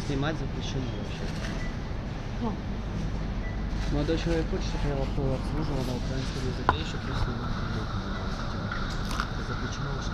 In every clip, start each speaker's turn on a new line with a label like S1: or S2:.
S1: Снимать запрещено вообще.
S2: Ну,
S1: Молодой человек хочет, чтобы я его обслуживал на украинском языке, еще плюс снимать видео. Это запрещено вообще.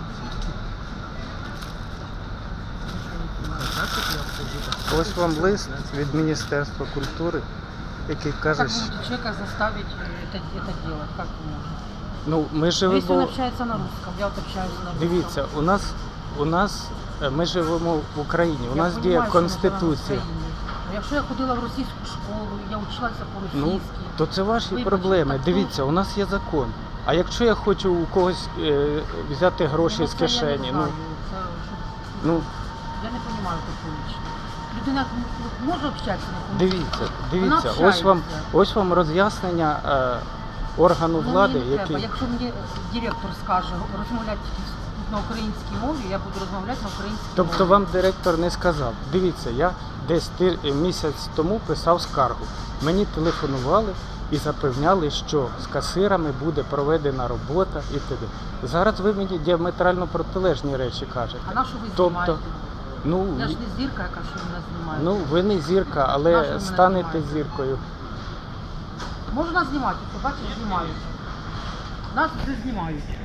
S1: Хотят, чтобы я обслужил.
S3: Ось вам лист від Міністерства культури, який каже,
S2: как
S3: що...
S2: можно человека заставить это делать? Как можно?
S3: Ну, ми
S2: Если он
S3: живемо...
S2: общается на русском, я вот общаюсь на русском.
S3: Дивіться, у нас ми живемо в Україні, у
S2: Я
S3: нас
S2: понимаю,
S3: діє
S2: що ми живемо в
S3: Конституція.
S2: Україні. Якщо я ходила в російську школу, я вчилася
S3: Ну,
S2: по-російськи.
S3: то це ваші
S2: Вибачте,
S3: проблеми.
S2: так,
S3: Дивіться, у нас є закон. А якщо я хочу у когось взяти гроші
S2: Ну,
S3: з
S2: це
S3: кишені,
S2: я не
S3: ну,
S2: знаю, це,
S3: ну
S2: я не розумію такого лично. Людина може общатися на конституції?
S3: дивіться,
S2: Вона
S3: ось вам роз'яснення органу влади,
S2: мені не треба.
S3: який...
S2: Якщо мені директор скаже розмовляти тільки на українській мові, я буду розмовляти на українській мові.
S3: Тобто вам директор не сказав. Дивіться, я десь місяць тому писав скаргу. Мені телефонували і запевняли, що з касирами буде проведена робота і т.д. Зараз ви мені діаметрально протилежні речі кажете.
S2: А на що ви
S3: Тобто,
S2: знімаєте?
S3: ну,
S2: Я ж не зірка, яка що мене знімає.
S3: ну ви не зірка,
S2: На що
S3: але
S2: ви мене
S3: станете
S2: знімаєте?
S3: зіркою.
S2: Можна знімати, бачиш, знімають. Нас вже знімають.